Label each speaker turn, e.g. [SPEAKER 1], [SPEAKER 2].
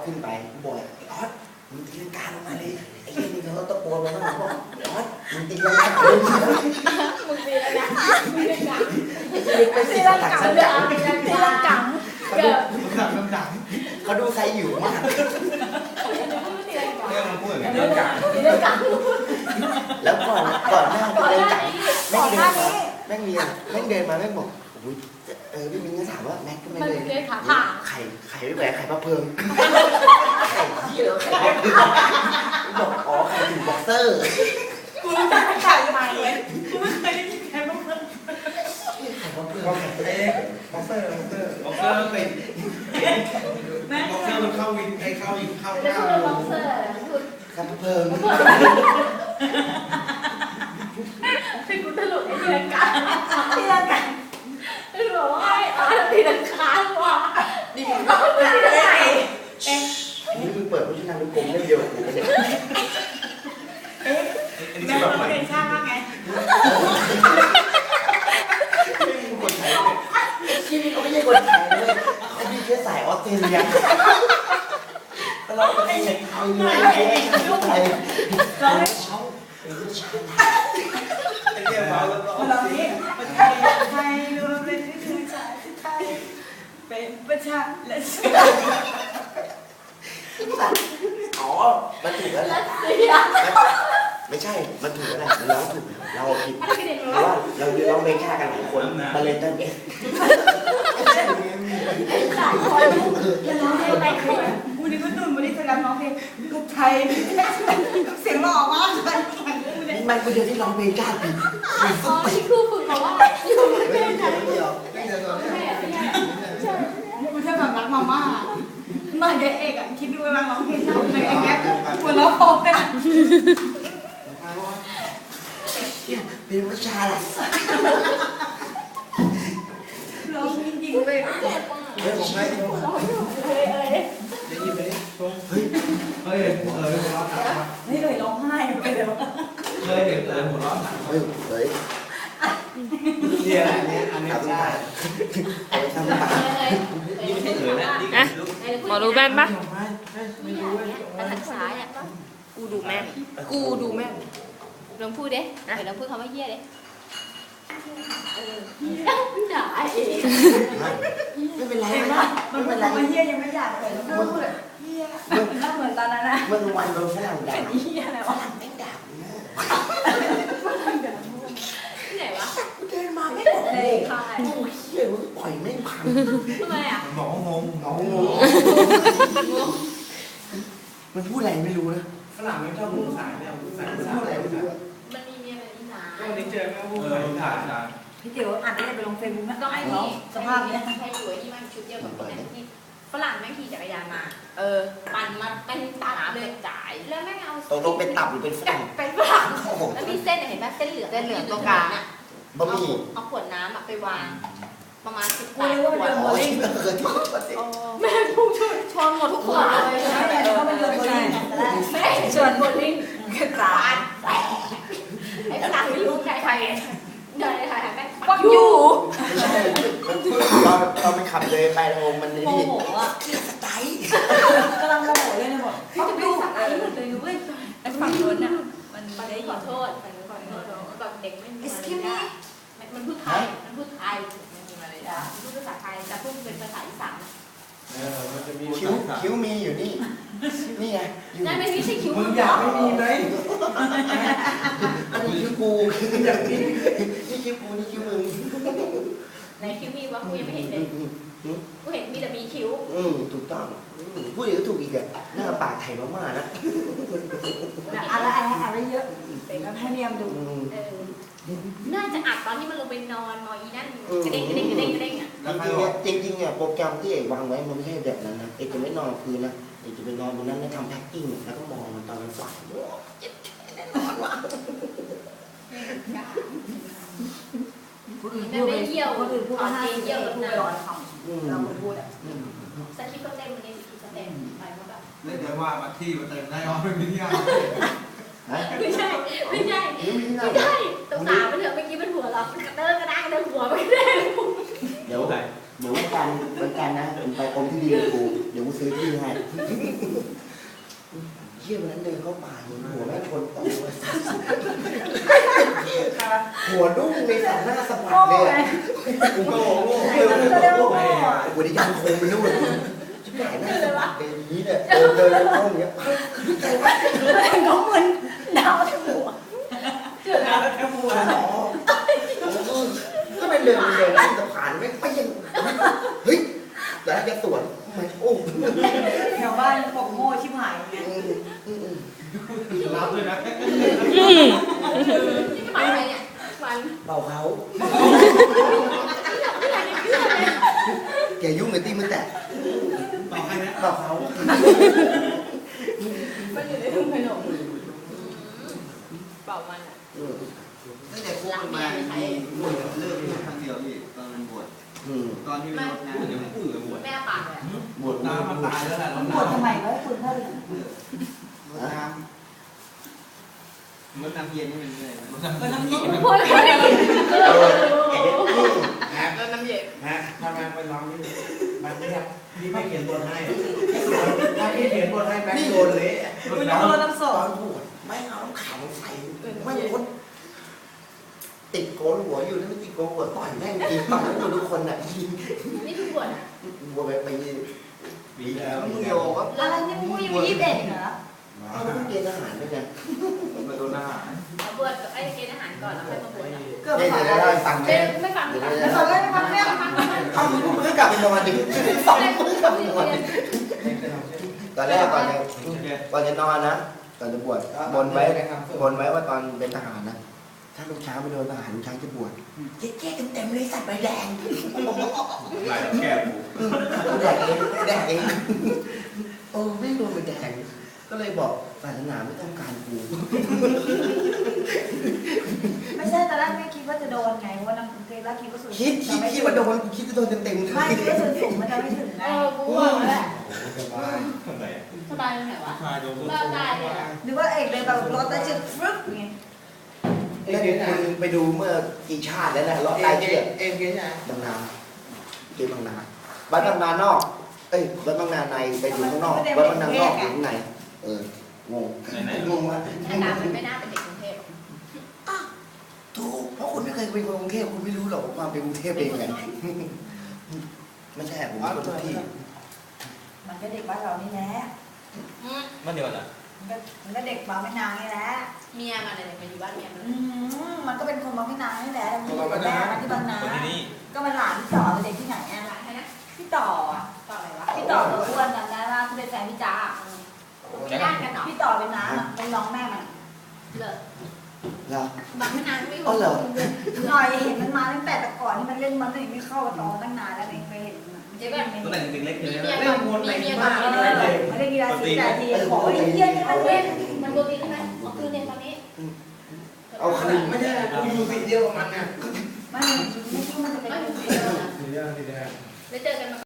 [SPEAKER 1] ขึ้นไปกูบอกไอ้ออสมึงตีลังกาลงมาเลยไอ้เหี้ยนี่เขาตะโกนมาบ้างบอกไอ้ออสมึงตีลังกาเลย
[SPEAKER 2] มึงตีแล้วนะมึงตีลังกา
[SPEAKER 1] ตีลังกา
[SPEAKER 2] ตีลังกาเกิด
[SPEAKER 1] เขาดูไซอยู่มาก
[SPEAKER 2] ตีลังกา
[SPEAKER 1] แล้วก่อนหน้าตีลังกาแม่งเดินมาแม่งบอกโอ้ยพี่มิ้นก็ถามว่าแม็กก็ไม่เลยไข่ไม่แหวกไข่ปลาเพิงไข่ที่เหรอไข่ปลาเพิงบอกอ๋อไข่ถึงบ็อกเซอร์
[SPEAKER 2] กูรู้จักไข่ใหม่เลยกูไม่เคยได้ยินไข่ปลาเพิง
[SPEAKER 1] ไข่ปลาเพิง
[SPEAKER 3] บ็อกเซอร์เป็นบ็อกเซอร์มันเข้าวินเข้าหน้า
[SPEAKER 2] ไข่
[SPEAKER 1] ปลาเพิง
[SPEAKER 2] ให้กูตลกไอ้ตีลังกาไม่รู้ว่าไอ้อ๋อตีลังกาว่ะ
[SPEAKER 1] นี่มึงเปิดวิชาการลูกกลมเล่มเดียวกับกูเนี่ย
[SPEAKER 2] แม่เราเป็นช่างไง
[SPEAKER 1] ชีวิตเขาไม่ใช่คนไทยเลยเขามีเชื้อสายออสเตรเลียเราเป็นไทยเลยไทย
[SPEAKER 2] เราไม่
[SPEAKER 1] เขา
[SPEAKER 2] เรานี้ไทยรวมเป็นที่คือชาติไทยเป็นประชาและชาติ
[SPEAKER 1] อ๋อมันถูกแล้วแหละไม่ใช่มันถูกแล้วแหละเราถูกเราผิดเพราะว่าเราร้องเพลงฆ่ากันหลายคนมาเลยตั้งเอง
[SPEAKER 2] วันนี้ก็ตื่นวันนี้จะรับน้องเพลงลูกไทยเสียงหล่อมากเลย
[SPEAKER 1] นี่มันคนเดียวที่ร้องเพลงฆ่าผิด
[SPEAKER 2] อ๋อที่ครูฝึกบอกว่าอยู่ประเทศไหนกูแค่แบบรักมาม่ามาเด็กเอกอ่ะคิดดูว่าร้องเพลงชอบเพลงอย่างเงี้ยหัวเราะพอกัน
[SPEAKER 1] เป็นวิชาอะไร
[SPEAKER 2] ร้องจริงๆเลย
[SPEAKER 3] เฮ้ยผมไม่ได้ยินไหมเฮ้ยหัวเราะ
[SPEAKER 2] นี่เลยร้องไห้ไปเลย
[SPEAKER 3] เคยเห็นหัวเราะ
[SPEAKER 1] เฮ้ย
[SPEAKER 3] เนี่ยอันนี้ใช่
[SPEAKER 1] เอาไปทำปาก
[SPEAKER 3] นี่ไม่ใช่เอ๋ยนะ
[SPEAKER 4] หมอรู้แม่นปะ
[SPEAKER 3] ไม่รู้เลย
[SPEAKER 4] ภาษาซ้ายอ่ะกูดูแม่นลองพูดเด้เดี๋ยวลองพูดคำว่าเหี้ยเด้ด่าเอง
[SPEAKER 1] ไม่เป็นไร
[SPEAKER 2] มันเป็นไรเฮียยังไม่อยากเลยมันพูดเฮียมันเหมือนตอนนั้นนะ
[SPEAKER 1] เมื่อวันโดนฝรั่งด่า
[SPEAKER 2] เฮียอะไรวะ
[SPEAKER 1] ไม่ด่า
[SPEAKER 4] ที่ไหนวะ
[SPEAKER 1] เดินมาไม่บอกเลยโอ้ยเฮียมึงปล่อยไม่พัง
[SPEAKER 4] ทำไมอ่ะ
[SPEAKER 3] บอกว่างง
[SPEAKER 1] มันพูดอะไรไม่รู้นะ
[SPEAKER 3] ฝรั่งไม่ชอบพูดภาษาเนี่ยพูดอะไรไม่รู้
[SPEAKER 4] มันมีเมียแบบนี้นะ
[SPEAKER 3] วันนี้เจอแม่พูดภาษา
[SPEAKER 2] พี่เตี๋ยวอ่านได้ไปลงเฟซบุ๊กนะ
[SPEAKER 4] ก็ไอ้นี่
[SPEAKER 2] สภาพเนี้ย
[SPEAKER 4] ใครอยู่ไอ้นี่มันชุดเดียวกับคนนั้นที่ฝรั่งแม่งขี่จักรยานมาปั่นมาเป็นตับเลยจ่ายแล้วแม่งเอา
[SPEAKER 1] ตกลงเป็นตับหรือเป็นฝรั่ง
[SPEAKER 4] แล้วมีเส้นเห็นไหมเส้นเหลืองตรงกลางอ่ะ
[SPEAKER 1] บะหมี่
[SPEAKER 4] เอาขวดน้ำไปวางประมาณ18 ขวดแม่พุ่งชนหมดทุกขวดเลยแม่ชนหมดลิ้นกระจายไอ้ฝรั่งไม่รู้ใครเดินเลยค่ะแม่ฟังอยู่
[SPEAKER 1] เราไปขับเลยไปโฮมมันนี่
[SPEAKER 2] โมโหอ่ะ
[SPEAKER 1] สไตล์
[SPEAKER 2] กำลังโมโหเลยนะบอก
[SPEAKER 4] พี่จะดูสไตล์หมดเลยเว้ยไอ้ฝั่งโน้นน่ะมันได้ขอโทษแบบเด็กไม่มีมารยาทมันพูดไทยมันพูดภาษาไทยแต่พูดเป็นภาษาอีสาน
[SPEAKER 1] คิ้วมีอยู่นี่นี่ไง
[SPEAKER 4] นั่นไม่ใช่คิ้ว
[SPEAKER 3] มึงอยากไม่มีไหม
[SPEAKER 1] อันนี้คิ้วกูอยากนี่คิ้วกูนี่คิ้วมึง
[SPEAKER 4] ไหนคิ้วมีวะกูยังไม่เห็นเลยกูเห็นมีแต่มีคิ้ว
[SPEAKER 1] ถูกต้องพูดอย่างก็ถูกอีกอ่ะหน้าปากไทยมากๆนะ
[SPEAKER 2] อะไรเยอะเป็นกันให้เนียมดู
[SPEAKER 4] น่าจะอัดตอนที่มันลงไปนอนมออีนั่นกระเด้งอ่ะ
[SPEAKER 1] จริงเนี่ยโปรแกรมที่เอกวางไว้มันไม่ใช่แบบนั้นนะเอกจะไม่นอนคืนนะเอกจะไปนอนบนนั้นแล้วทำแพ็คกิ้งแล้วก็มองมันตอนมันฝันโอ้ยแน่นอนว่ะ
[SPEAKER 4] ไม่ได้เยี่ยว
[SPEAKER 2] คนอื่นพูดว่า
[SPEAKER 4] เยี่ยวแบบนั้น
[SPEAKER 2] เราพูดอ่ะ
[SPEAKER 4] สคริปต์ก็เต็มเลยสคริปต์ก็เต็มไปหมดแบบ
[SPEAKER 3] เล่นแต่ว่ามาที่มาเติมได้อ๋อไม่มีที่
[SPEAKER 4] ไม่ใช่ต้องสาวมันเถอะเมื่อกี้มันหัวเรากระเด้งกระด้างกระเด้งหัวไปได้
[SPEAKER 1] เดี๋ยวเหมือนวันกันนะมึงไปอมที่ดีกับกูเดี๋ยวกูซื้อที่ให้เยี่ยวันนั้นเดินเข้าป่าเห็นหัวแม่งชนต่อหัวดุ้งในสันหน้าสะบัดเลย
[SPEAKER 3] กูก็โง่
[SPEAKER 1] หัวได้ยังคงเป็นนู่นชิบหายหน้าสะบัดเลยนี้เนี่ยเดินเข้าอย่างเงี้ยใครวะ
[SPEAKER 4] เขาเหมือนดาวทั้งหัว
[SPEAKER 2] แล้วแค่หัว
[SPEAKER 1] ก็ไปเดินขึ้นสะพานไม่ไปยังเฮ้ยแล้วจะสวนมันโอ้
[SPEAKER 2] แถวบ้านบอกโง่ชิบหายไง
[SPEAKER 3] รับด้วยนะ
[SPEAKER 4] นี่หมายอะไรเนี่ยมัน
[SPEAKER 1] เบาเขาแกยุ่งกับตีมันแต่
[SPEAKER 3] ต่อให้นะ
[SPEAKER 1] เบาเขา
[SPEAKER 4] มันอยู่ในถุงขนมเป่ามันอ่ะ
[SPEAKER 5] ตั้งแต่พวกมันมามีบวชเลิกครั้งเดียวพี่ตอนมันบวชตอนที่ไม่รดน้ำ
[SPEAKER 3] เดี๋ยวพูดกับบวช
[SPEAKER 4] แม่ปากเลย
[SPEAKER 1] บวช
[SPEAKER 3] น้ำมันตายแล้วแหละ
[SPEAKER 2] ปวดทำไมวะคุณพ่อเลย
[SPEAKER 5] รดน้ำรดน้ำเย็นนี่มันเลย
[SPEAKER 2] ก็น้ำเย็น
[SPEAKER 4] พูดอะไรกัน
[SPEAKER 3] ฮะ
[SPEAKER 4] แล้วน้ำเย็น
[SPEAKER 3] ฮะทำไมไปร้องนี่มันไม่ครับพี่ไม่เขียนบทให้ถ้าพี่เขียนบทให้แม็กโดนเละ
[SPEAKER 2] คุณน้ำร้อนน้ำส
[SPEAKER 1] ต
[SPEAKER 2] อ
[SPEAKER 1] อน นบวชไม่เอาน้ำแข็งใส่ไม่พ้นติดโกนหัวอยู่แล้วไม่ติดโกนหัวต่อยแม่งกินต่อยทุกคนอ่ะ
[SPEAKER 4] นี่คือบวชอ่ะ
[SPEAKER 1] บัวไป
[SPEAKER 3] ปีแล้ว
[SPEAKER 1] มึงโยว่า
[SPEAKER 2] อะไรนี่มึงยังมี21เหรอ
[SPEAKER 1] เอาเพิ่งเกณฑ์อาหารด้วยกัน
[SPEAKER 5] มาโดนอาหาร
[SPEAKER 4] เอาบวชกับไอ้เกณฑ์อาหารก่อนแล้วค่อยมาบวชอ่ะ
[SPEAKER 2] เกือบ
[SPEAKER 1] ได้
[SPEAKER 2] ขาด
[SPEAKER 1] ได้ได้ฟัง
[SPEAKER 4] เจ๊
[SPEAKER 1] แม่
[SPEAKER 4] ไม่ฟังไม่ฟัง
[SPEAKER 2] แล้วตอนแรกมันเนี่ย
[SPEAKER 1] เอ้ามึงเพิ่งกลับไปนอนดิสองเพิ่งกลับไปนอนดิตอนแรกก่อนจะนอนนะก่อนจะบวชบนไว้ว่าตอนเป็นทหารนะถ้าลูกช้างไปโดนทหารลูกช้างจะบวชเจ๊เต็มเลยสัตว์ใบแดง
[SPEAKER 3] หลายแก้ว
[SPEAKER 1] แดกเองโอ้ไม่โดนใบแดงก็เลยบอกศาสนาไม่ต้องการกู
[SPEAKER 2] ไม่ใช่ตอนแรกไม่คิดว่าจะโดนไงเพราะว่าน้ำกรุงเทพแล้วคิดว่าส่วน
[SPEAKER 1] คิดว่าโดนกูคิดว่าโดนเต็ม
[SPEAKER 2] ไม่คิดว่าส่วนสูงมันจะไม่ถึงไง
[SPEAKER 4] กูว่าแหละ
[SPEAKER 3] สบายทำไม
[SPEAKER 4] สบายตรงไหนวะ
[SPEAKER 3] ชายโดน
[SPEAKER 4] บ้าตายเลยอ่ะ
[SPEAKER 2] หรือว่าเอกเลยแบบรถแต่จะฟึ๊บไง
[SPEAKER 1] แล้วคุณไปดูเมื่อกี่ชาติแล้วนะเลาะใต้เชือก
[SPEAKER 5] เอ็มเกี้ยนะ
[SPEAKER 1] บางนาเกบางนาบ้านบางนานอกเอ้ยบ้านบางนาในไปอยู่ข้างนอกบ้านบางนานอกอยู่ข้างในงงงว่า
[SPEAKER 4] หน้าตามันไม่น่าเป็นเด็กกรุงเทพ
[SPEAKER 1] ถูกเพราะคุณไม่เคยเป็นคนกรุงเทพคุณไม่รู้หรอกว่าความเป็นกรุงเทพเป็นยังไงไม่ใช่ผมเป็นคนทุกที่
[SPEAKER 2] มันก็เด็กบ้านเรานี่แหละ
[SPEAKER 3] มันเดียวนะ
[SPEAKER 2] มันก็เด็กบางไม่นางนี่แหละ
[SPEAKER 4] เมียมันอะไรมาอยู่บ้านเมียมัน
[SPEAKER 2] มันก็เป็นคนบางไม่นางนี่แหละมันอยู่กับแม่มันที่บางนา
[SPEAKER 3] คนที่นี่
[SPEAKER 2] ก็มันหลานพี่ต่อเป็นเด็กที่ไหน
[SPEAKER 4] แอ
[SPEAKER 2] อ่ะ
[SPEAKER 4] ร์ร้านให้นะ
[SPEAKER 2] พี่ต่ออ่ะ
[SPEAKER 4] ต่ออะไรวะ
[SPEAKER 2] พี่ต่อตัวอ้วนจำได้ว่าที่เป็นแฟนพี่จ้า
[SPEAKER 4] ไม่ญาติกันเหรอ
[SPEAKER 2] พี่ต่อเป็นน้าเป็นน้องแม่มัน
[SPEAKER 4] เลิก
[SPEAKER 1] เหรอบ
[SPEAKER 4] างไม่นานไม่
[SPEAKER 1] อ๋อเหรอ
[SPEAKER 2] หน่อยเห็นมันมาตั้งแต่ก่อนที่มันเล่นมันยังไม่เข้าต่อตั้งนานแล้วเองเคยเห็นมัน
[SPEAKER 4] เจ๊แบบ
[SPEAKER 3] ตั้งแต่เด็กเล็กเลย
[SPEAKER 4] มี
[SPEAKER 3] นะ
[SPEAKER 4] เมียก่อนมีเมียก่อน
[SPEAKER 2] ไม่ได้กีฬาสีแต่ทีขอไอ้เยี่ยนี่มันเล่น
[SPEAKER 4] มันโดนตีใช่ไหมคือเนี่ยตอนนี้
[SPEAKER 1] เอาคืน
[SPEAKER 5] ไม่ใช่กูอยู่สิเดียวกับมันนะ
[SPEAKER 2] ไม่คิดว่ามันจะเป็น
[SPEAKER 4] ไม่
[SPEAKER 2] คน
[SPEAKER 4] ถึง
[SPEAKER 2] เดียว
[SPEAKER 4] นะ
[SPEAKER 3] สีแดงสีแดง
[SPEAKER 4] แล้วเจอกันมา